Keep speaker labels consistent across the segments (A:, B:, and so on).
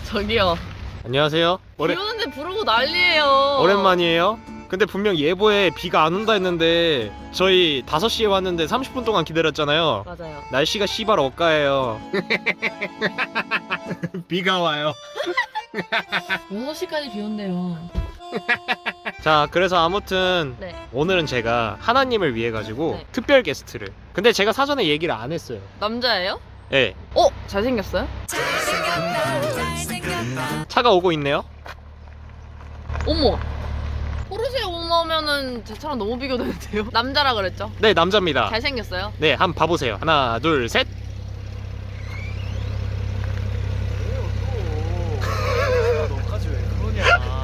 A: 저기요.
B: 안녕하세요.
A: 비 오는데 부르고 난리예요.
B: 오랜만이에요. 근데 분명 예보에 비가 안 온다 했는데 저희 5시에 왔는데 30분 동안 기다렸잖아요.
A: 맞아요.
B: 날씨가 씨발 억가예요. 비가 와요.
A: 6시까지 비 온대요.
B: 자, 그래서 아무튼
A: 네.
B: 오늘은 제가 하나님을 위해 가지고
A: 네.
B: 특별 게스트를. 근데 제가 사전에 얘기를 안 했어요.
A: 남자예요?
B: 예.
A: 잘생겼어요?
B: 차가 오고 있네요.
A: 어머. 포르쉐 오너면은 제 차랑 너무 비교되는데요? 남자라 그랬죠?
B: 네, 남자입니다.
A: 잘생겼어요?
B: 네, 한번 봐보세요. 하나, 둘, 셋.
C: 너까지 왜 그러냐?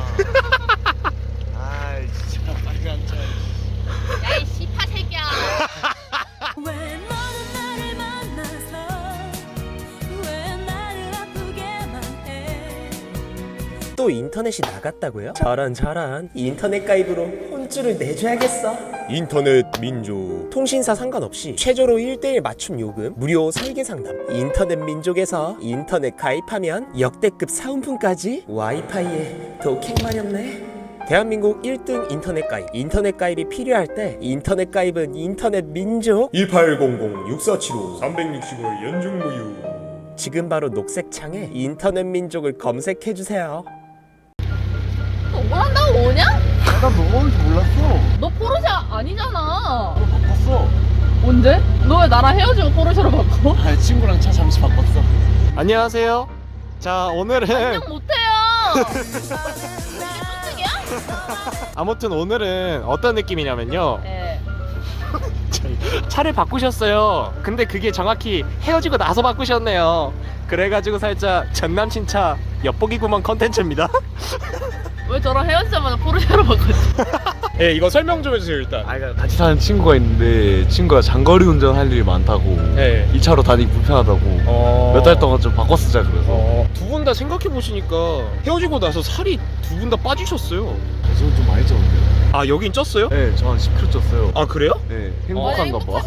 C: 아이 진짜 빨리 앉아.
A: 야이 씨파 새끼야.
D: 왜 너는 나를 만나서 왜 나를 아프게만 해.
E: 또 인터넷이 나갔다고요? 저런 인터넷 가입으로 혼쭐을 내줘야겠어. 인터넷 민족 통신사 상관없이 최저로 1:1 맞춤 요금 무료 설계 상담. 인터넷 민족에서 인터넷 가입하면 역대급 사은품까지. 와이파이에 독행 마렵네. 대한민국 1등 인터넷 가입. 인터넷 가입이 필요할 때 인터넷 가입은 인터넷 민족.
F: 1800-6475-365일 연중 무휴.
E: 지금 바로 녹색 창에 인터넷 민족을 검색해주세요.
A: 너 뭘 한다고 오냐?
C: 나 너가 오는지 몰랐어.
A: 너 포르쉐 아니잖아.
C: 너 바꿨어.
A: 언제? 너 왜 나랑 헤어지고 포르쉐로 바꿔?
C: 아 친구랑 차 잠시 바꿨어.
B: 안녕하세요. 자, 오늘은
A: 그냥 못해요.
B: 아무튼 오늘은 어떤 느낌이냐면요.
A: 네.
B: 차를 바꾸셨어요. 근데 그게 정확히 헤어지고 나서 바꾸셨네요. 그래가지고 살짝 전남친 차 엿보기 구멍 컨텐츠입니다.
A: 왜 저랑 헤어지자마자 포르쉐로 바꿨지?
B: 예, 이거 설명 좀 해주세요 일단.
C: 그러니까 같이 사는 친구가 있는데 친구가 장거리 운전할 일이 많다고
B: 예.
C: 이 차로 다니기 불편하다고 몇 달 동안 좀 바꿔 쓰자 그래서.
B: 두 분 다 생각해 보시니까 헤어지고 나서 살이 두 분 다 빠지셨어요.
C: 저는 좀 많이 쪘는데요.
B: 아, 여긴 쪘어요?
C: 네, 저 한 10kg 쪘어요.
B: 아, 그래요?
C: 네, 행복한가 봐.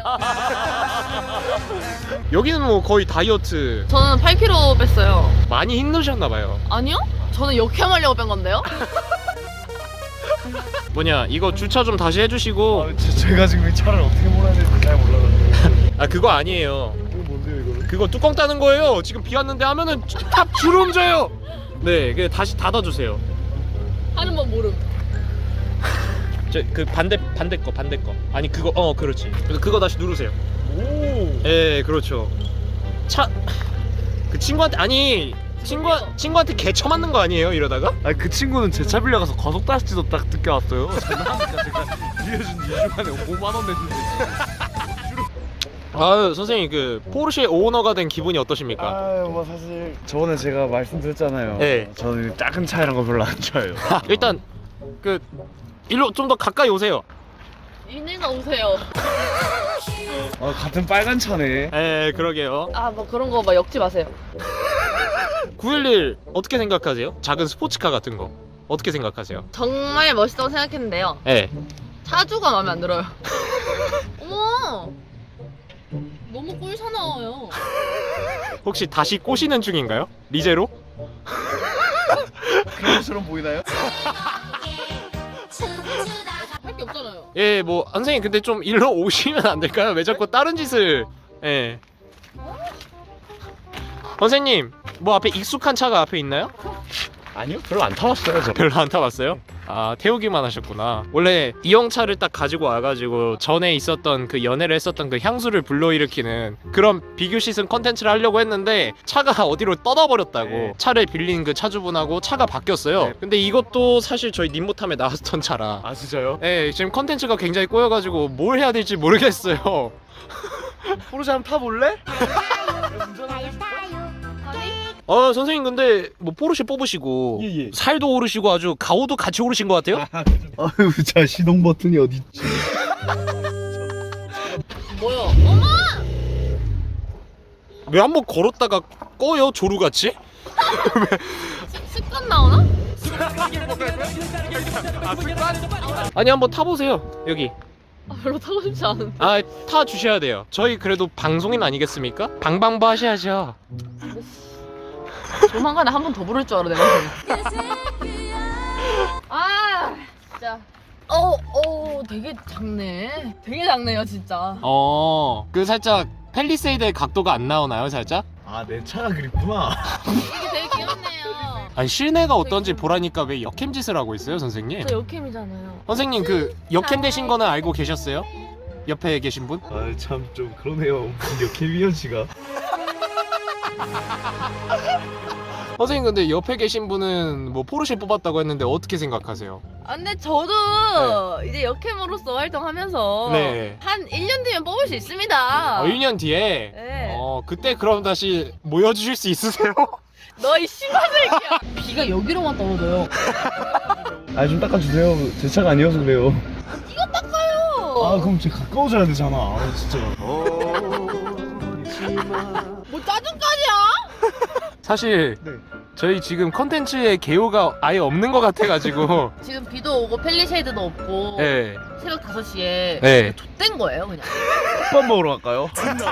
B: 여기는 뭐 거의 다이어트.
A: 저는 8kg 뺐어요.
B: 많이 힘드셨나 봐요.
A: 아니요? 저는 역행하려고 뺀 건데요?
B: 뭐냐, 이거 주차 좀 다시 해주시고.
C: 제가 지금 이 차를 어떻게 몰아야 될지 잘 몰라가지고.
B: 아, 그거 아니에요.
C: 이거 뭔데요 이거는?
B: 그거 뚜껑 따는 거예요. 지금 비 왔는데 하면은 탑 주름 져요. 네, 그 다시 닫아주세요.
A: 하는 법 모름.
B: 저 그 반대 거. 아니 그거 그렇지. 그거 다시 누르세요.
C: 오.
B: 예, 그렇죠. 차 그 친구한테 친구한테 개쳐 맞는 거 아니에요? 이러다가?
C: 아니 그 친구는 제 차 빌려가서 과속다시도 딱 늦게 왔어요. 장난하니까 제가 빌려준 2주 만에 5만 원 냈는데.
B: 아, 선생님 그 포르쉐 오너가 된 기분이 어떠십니까?
C: 뭐 사실 저번에 제가 말씀드렸잖아요.
B: 네.
C: 저는 작은 차 이런 거 별로 안 좋아해요.
B: 일단 그 일로 좀 더 가까이 오세요.
A: 이내가 오세요.
C: 같은 빨간 차네.
B: 예, 그러게요.
A: 아, 뭐 그런 거 막 엮지 마세요.
B: 911 어떻게 생각하세요? 작은 스포츠카 같은 거 어떻게 생각하세요?
A: 정말 멋있다고 생각했는데요.
B: 예.
A: 차주가 마음에 안 들어요. 어머! 너무 꿀사나워요.
B: 혹시 다시 꼬시는 중인가요? 리제로?
C: 그런 것처럼 보이나요?
A: 할 게 없잖아요.
B: 예, 뭐 선생님 근데 좀 일로 오시면 안 될까요? 왜 자꾸 다른 짓을? 예. 선생님, 뭐 앞에 익숙한 차가 앞에 있나요?
C: 아니요, 별로 안 타봤어요 저.
B: 별로 안 타봤어요? 아, 태우기만 하셨구나. 원래 이형차를 딱 가지고 와가지고 전에 있었던 그 연애를 했었던 그 향수를 불러일으키는 그런 비교 시승 컨텐츠를 하려고 했는데 차가 어디로 떠나버렸다고.
C: 네.
B: 차를 빌린 그 차주분하고 차가 바뀌었어요.
C: 네.
B: 근데 이것도 사실 저희 님모탐에 나왔던 차라.
C: 아 진짜요?
B: 예, 지금 컨텐츠가 굉장히 꼬여가지고 뭘 해야 될지 모르겠어요.
C: 포르쉐 한번 타볼래?
B: 선생님 근데 뭐 포르쉐 뽑으시고
C: 예.
B: 살도 오르시고 아주 가오도 같이 오르신 것 같아요?
C: 아유, 자 시동 버튼이 어디 있지?
A: 뭐야? 어머!
B: 왜 한번 걸었다가 꺼요 조루같이?
A: 습관 나오나?
B: 아니 한번 타보세요 여기.
A: 아, 별로 타고 싶지 않은데.
B: 아, 타 주셔야 돼요. 저희 그래도 방송인 아니겠습니까? 방방부 하셔야죠.
A: 조만간에 한 번 더 부를 줄 알아 내가. 아 진짜. 되게 작네. 되게 작네요 진짜.
B: 그 살짝 펠리세이드의 각도가 안 나오나요, 살짝?
C: 아, 내 차가 그립구나.
A: 이게 되게 귀엽네요.
B: 아니 실내가 어떤지 보라니까 왜 역캠 짓을 하고 있어요, 선생님?
A: 저 역캠이잖아요.
B: 선생님 그 역캠 되신 거는 알고 계셨어요? 옆에 계신 분?
C: 아, 참 좀 그러네요. 역캐비언 씨가.
B: 선생님 근데 옆에 계신 분은 뭐 포르쉐 뽑았다고 했는데 어떻게 생각하세요?
A: 아 근데 저도 이제 역캠으로서 활동하면서
B: 네.
A: 한 1년 뒤면 뽑을 수 있습니다.
B: 1년 뒤에
A: 네.
B: 그때 그럼 다시 모여주실 수 있으세요?
A: 너이 씨발 새끼야. 비가 여기로만 떨어져요.
C: 아, 좀 닦아주세요. 제 차가 아니어서 그래요.
A: 이거 닦아요.
C: 아, 그럼 제 가까워져야 되잖아. 아, 진짜.
A: 뭐 짜증까지야?
B: 사실
C: 네.
B: 저희 지금 컨텐츠에 개요가 아예 없는 것 같아가지고
A: 지금 비도 오고 펠리쉐이드도 없고
B: 네.
A: 새벽 5시에
B: 네.
A: 좆된 거예요 그냥.
C: 밥 먹으러 갈까요?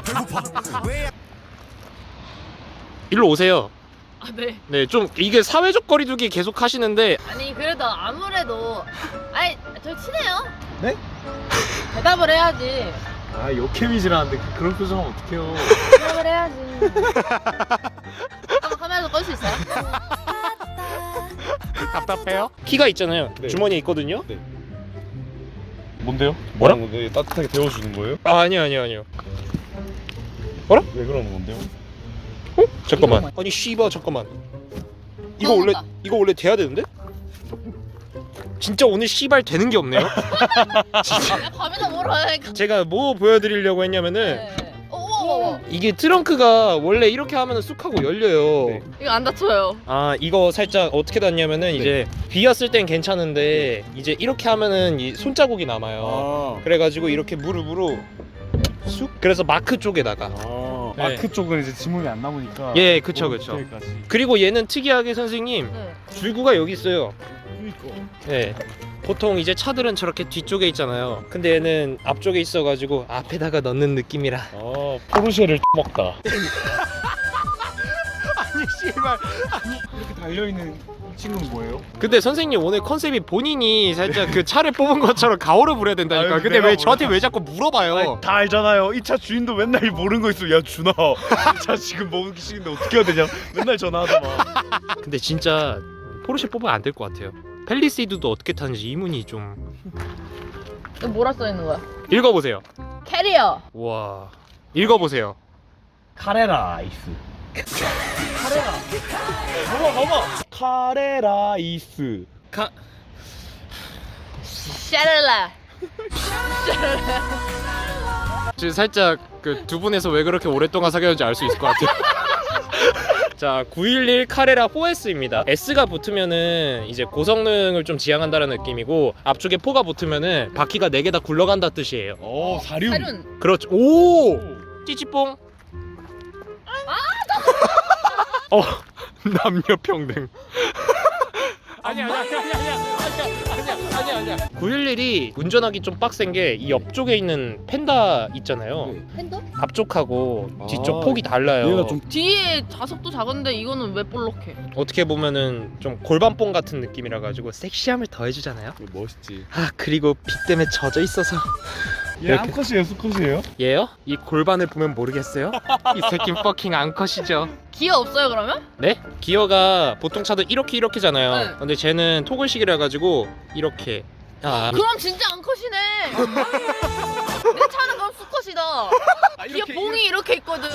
B: 일로 오세요.
A: 아 네.
B: 네, 좀 이게 사회적 거리두기 계속 하시는데
A: 아니 그래도 아무래도 아니 저 친해요.
C: 네?
A: 대답을 해야지.
C: 아, 역캐비지라는데 그런 표정하면 어떡해요.
A: 대답을 해야지. 한번 카메라도 끌 수 있어요?
B: 답답해요? 키가 있잖아요.
C: 네.
B: 주머니에 있거든요.
C: 뭔데요?
B: 뭐라?
C: 건데 따뜻하게 데워주는 거예요?
B: 아니요.
C: 왜 그러는 건데요?
B: 잠깐만. 아니 씨바 잠깐만. 이거 원래 돼야 되는데? 진짜 오늘 씨발 되는 게 없네요.
A: 야 밤에다 뭐라 해.
B: 제가 뭐 보여드리려고 했냐면은
A: 네. 오.
B: 이게 트렁크가 원래 이렇게 하면은 쑥 하고 열려요.
C: 네.
A: 이거 안 다쳐요.
B: 아 이거 살짝 어떻게 닿냐면은 이제 비었을 땐 괜찮은데 이제 이렇게 하면은 이 손자국이 남아요. 그래가지고 이렇게 무릎으로 쑥. 그래서 마크 쪽에다가. 네.
C: 마크 쪽은 이제 지문이 안 남으니까.
B: 예, 그쵸.
C: 디테일까지.
B: 그리고 얘는 특이하게 선생님
A: 네.
B: 줄구가 여기 있어요.
C: 그니까.
B: 네. 보통 이제 차들은 저렇게 뒤쪽에 있잖아요. 근데 얘는 앞쪽에 있어가지고 앞에다가 넣는 느낌이라.
C: 아, 포르쉐를 먹다.
B: 아니 씨발.
C: 이렇게 달려있는 이 친구는 뭐예요?
B: 근데 선생님 오늘 컨셉이 본인이 살짝 그 차를 뽑은 것처럼 가오를 부려야 된다니까.
C: 아유,
B: 근데
C: 내가
B: 왜 저한테
C: 몰라.
B: 왜 자꾸 물어봐요?
C: 아니, 다 알잖아요. 이 차 주인도 맨날 모르는 거 있으면 야 준아 이 차 지금 먹기 싫은데 어떻게 해야 되냐 맨날 전화하더만.
B: 근데 진짜 포르쉐 뽑으면 안 될 것 같아요. 펠리세이드도 어떻게 타는지 이문이 좀
A: 이거 뭐라 써 있는 거야?
B: 읽어보세요.
A: 캐리어.
B: 와 읽어보세요.
C: 카레라 아이스. 봐봐. 카레라 아이스.
A: 샤랄라.
B: 지금 살짝 그 두 분에서 왜 그렇게 오랫동안 사귀었는지 알 수 있을 것 같아요. 자, 911 카레라 4S입니다. S가 붙으면은 이제 고성능을 좀 지향한다는 느낌이고 앞쪽에 4가 붙으면은 바퀴가 4개 다 굴러간다 뜻이에요.
C: 오, 사륜.
A: 사륜.
B: 그렇죠. 오! 찌찌뽕. 남녀 평등. 아니야. 911이 운전하기 좀 빡센 게 이 옆쪽에 있는 펜다 있잖아요.
A: 핸드?
B: 앞쪽하고 뒤쪽
C: 아,
B: 폭이 달라요.
C: 얘가 좀
A: 뒤에 자석도 작은데 이거는 왜 볼록해?
B: 어떻게 보면은 좀 골반뽕 같은 느낌이라 가지고 섹시함을 더해주잖아요.
C: 멋있지.
B: 아 그리고 비 때문에 젖어 있어서.
C: 얘 암컷이에요, 수컷이에요?
B: 얘요? 이 골반을 보면 모르겠어요? 이 새끼 퍼킹 암컷이죠.
A: 기어 없어요 그러면?
B: 네? 기어가 보통 차들 이렇게잖아요.
A: 네.
B: 근데 쟤는 토글식이라 가지고 이렇게. 아
A: 그럼 진짜 앙컷이네. 내 차는 그럼 수컷이다. 기어 봉이 이렇게 있거든.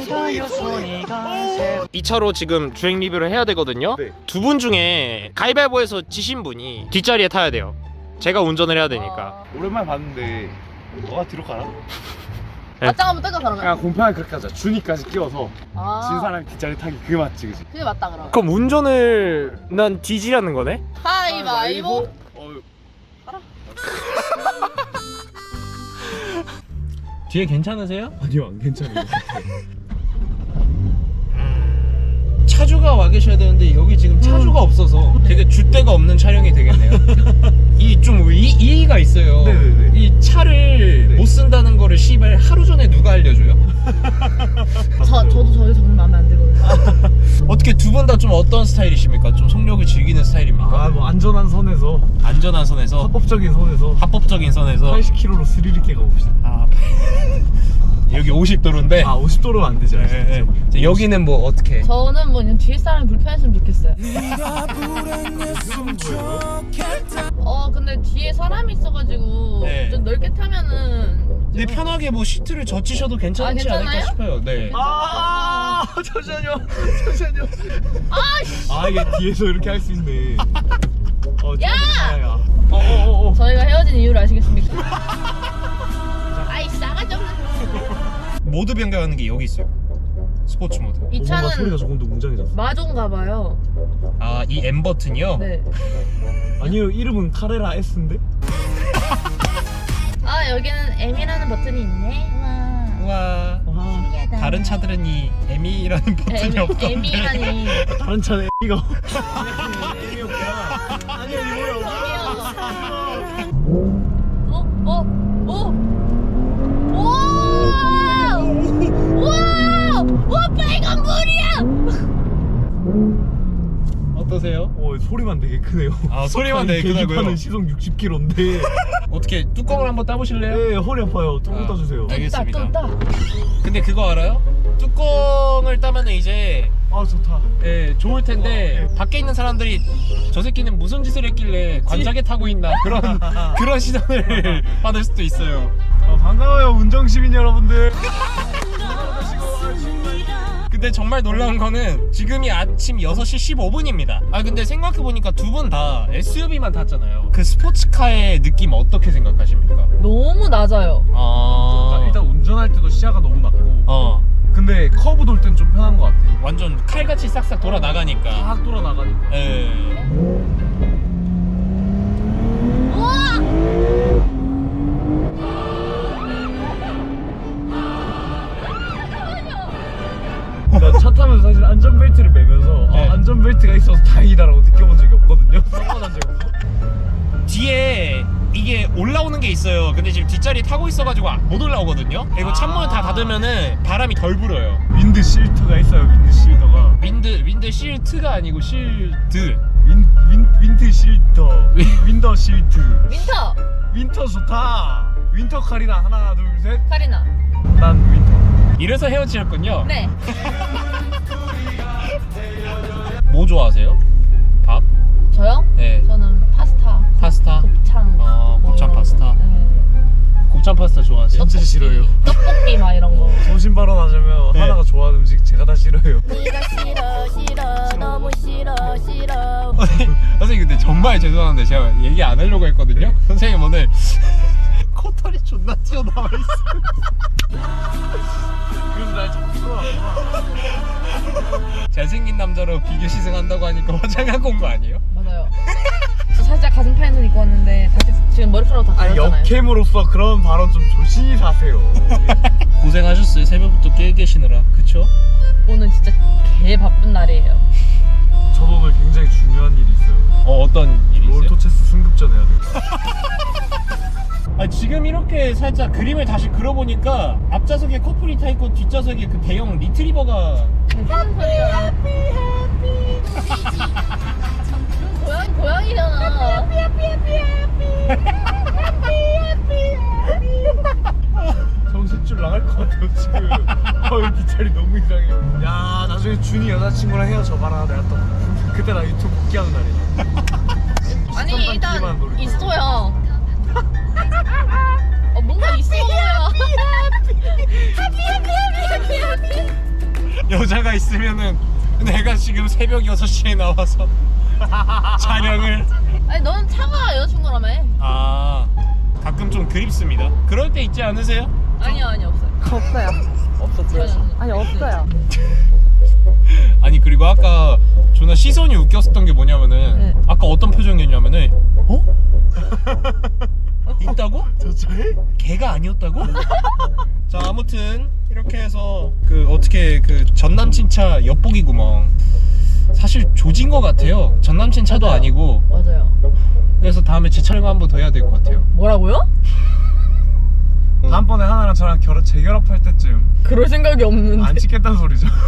B: 이 차로 지금 주행 리뷰를 해야 되거든요.
C: 네.
B: 두 분 중에 가위바위보에서 지신 분이 뒷자리에 타야 돼요. 제가 운전을 해야 되니까.
C: 오랜만에 봤는데 너가 뒤로 가라.
A: 맞짱 한번 뜰까 그러면?
C: 그냥 공평하게 그렇게 하자. 준이까지 끼워서
A: 아,
C: 진 사람이 뒷자리 타기 그게 맞지, 그지?
A: 그게 맞다 그럼.
B: 그럼 운전을 난 뒤지라는 거네?
A: 가위바위보.
B: 뒤에 괜찮으세요?
C: 아니요, 안 괜찮아요.
B: 차주가 와 계셔야 되는데 여기 지금 차주가 없어서 되게 줏대가 없는 촬영이 되겠네요. 이 좀 이의가 있어요.
C: 네네네.
B: 이 차를 못 쓴다는 거를 씨발 하루 전에 누가 알려줘요?
A: 저도 저희 정말 마음에 안 들거든요.
B: 어떻게 어떻게 두 분 다 좀 어떤 스타일이십니까? 좀 속력을 즐기는 스타일입니까?
C: 아 뭐 안전한 선에서
B: 안전한 선에서
C: 합법적인 선에서
B: 합법적인 선에서
C: 80km로 스릴 있게 가봅시다.
B: 아, 여기 50도로인데
C: 아 50도로는 안 되죠.
B: 네. 여기는 뭐 어떻게?
A: 저는 뭐 그냥 뒤에 사람이 불편했으면 좋겠어요. 근데 뒤에 사람이 있어가지고
B: 네.
A: 좀 넓게 타면은
B: 근데 편하게 뭐 시트를 젖히셔도 괜찮지
A: 괜찮아요?
B: 않을까 싶어요. 네.
C: 아 잠시만요. 아 이게 뒤에서 이렇게 할 수 있네.
A: 야!
C: 어어어.
A: 저희가 헤어진 이유를 아시겠습니까? 아이 싸가지 없는.
B: 모드 변경하는 게 여기 있어요. 스포츠 모드.
A: 이
C: 뭔가 소리가
A: 차는
C: 조금 더 웅장해졌어.
A: 마종가 봐요.
B: 아, 이 M 버튼이요?
A: 네.
C: 아니요 이름은 카레라 S인데?
A: 아 여기는 M이라는 버튼이 있네. 와.
B: 우와.
A: 신기하다.
B: 다른 차들은 이 M이라는 버튼이 없던데.
A: M이라니.
C: 다른 차는 M이가 M이었구나. 아니야 이거요.
A: 와 빨간 불이야.
B: 어떠세요?
C: 소리만 되게 크네요.
B: 아, 소리만 되게 크다고요?
C: 계기판은 시속 60km인데
B: 어떻게 뚜껑을 한번 따보실래요?
C: 네 허리 아파요. 조금 따주세요.
B: 알겠습니다.
A: 또 따.
B: 근데 그거 알아요? 뚜껑을 따면은 이제
C: 아 좋다.
B: 좋을 텐데 밖에 있는 사람들이 저 새끼는 무슨 짓을 했길래 관자게 타고 있나 그런 시선을 받을 수도 있어요.
C: 반가워요 운정시민 여러분들.
B: 근데 정말 놀라운 거는 지금이 아침 6시 15분입니다. 아 근데 생각해보니까 두 분 다 SUV만 탔잖아요. 그 스포츠카의 느낌 어떻게 생각하십니까?
A: 너무 낮아요.
C: 일단 운전할 때도 시야가 너무 낮고 근데 커브 돌 땐 좀 편한 것 같아.
B: 완전 칼같이 싹싹 돌아 나가니까.
C: 싹 돌아나가니까.
B: 예.
C: 나 차 타면서 사실 안전벨트를 매면서
B: 네.
C: 안전벨트가 있어서 다행이다라고 느껴본 적이 없거든요. 사고 난 적이 없어.
B: 뒤에 이게 올라오는 게 있어요. 근데 지금 뒷자리 타고 있어가지고 못 올라오거든요. 그리고 창문을 다 닫으면은 바람이 덜 불어요.
C: 윈드 실트가 있어요. 윈드 실더가.
B: 윈드 실트가 아니고 실드.
C: 윈드 실터. 윈더 실트.
A: 윈터.
C: 윈터 좋다. 윈터 카리나 하나 둘 셋.
A: 카리나.
C: 난 윈터.
B: 이래서 헤어지셨군요.
A: 네.
B: 뭐 좋아하세요? 밥?
A: 저요?
B: 네.
A: 저는
B: 파스타?
A: 곱창.
B: 곱창
A: 이런
B: 파스타.
A: 거. 네.
B: 곱창 파스타 좋아하세요?
C: 진짜 싫어요.
A: 떡볶이 막 이런 거.
C: 소신 발언하자면
B: 네.
C: 하나가 좋아하는 음식 제가 다 싫어요.
A: 네가 싫어 너무 싫어.
B: 선생님 근데 정말 죄송한데 제가 얘기 안 하려고 했거든요. 선생님 오늘 코털이 존나 튀어나와 있어.
C: 그래서 날 자꾸 쏘아.
B: 잘생긴 남자로 비교 시승한다고 하니까 화장하고 온 거 아니에요?
A: 맞아요. 저 살짝 가슴 파인선 입고 왔는데 다시 지금 머리카락 다
C: 아니
A: 가렸잖아요.
C: 역캠으로서 그런 발언 좀 조심히 사세요.
B: 고생하셨어요. 새벽부터 깨 계시느라. 그쵸?
A: 오늘 진짜 개 바쁜 날이에요.
C: 저도 오늘 굉장히 중요한 일이 있어요.
B: 어떤 일이 있어요?
C: 롤토체스 승급전 해야 돼요.
B: 아, 지금 이렇게 살짝 그림을 다시 그려보니까 앞좌석에 커플이 타있고 뒷좌석에 그 대형 리트리버가
A: 무슨 소리야? 고양이잖아.
C: 정신줄 나갈 것 같아요 지금. 이 뒷자리 너무 이상해. 야 나중에 준이 여자친구랑 헤어져봐라. 내가 또 그때 나 유튜브 복귀하는 날이야.
A: 아니 일단
C: 기만 노리고.
A: 있어요. 뭔가 있어 보여.
B: 여자가 있으면은 내가 지금 새벽 6시에 나와서 촬영을
A: 아니 넌 차가 여자친구라며.
B: 가끔 좀 그립습니다. 그럴 때 있지 않으세요?
A: 아니요 없어요.
F: 없어요.
A: 없었어요.
F: 아니 없어요.
B: 아니 그리고 아까 존나 시선이 웃겼었던 게 뭐냐면은
A: 네.
B: 아까 어떤 표정이었냐면은 어? 있다고?
C: 저 차에?
B: 걔가 아니었다고? 자 아무튼 이렇게 해서 그 어떻게 그 전남친 차 엿보기 구멍 사실 조진 것 같아요. 전남친 차도
A: 맞아요.
B: 아니고.
A: 맞아요.
B: 그래서 다음에 재촬영 한번 더 해야 될 것 같아요.
A: 뭐라고요?
C: 다음번에 하나랑 저랑 재결합할 때쯤
A: 그럴 생각이 없는데.
C: 안 찍겠다는 소리죠.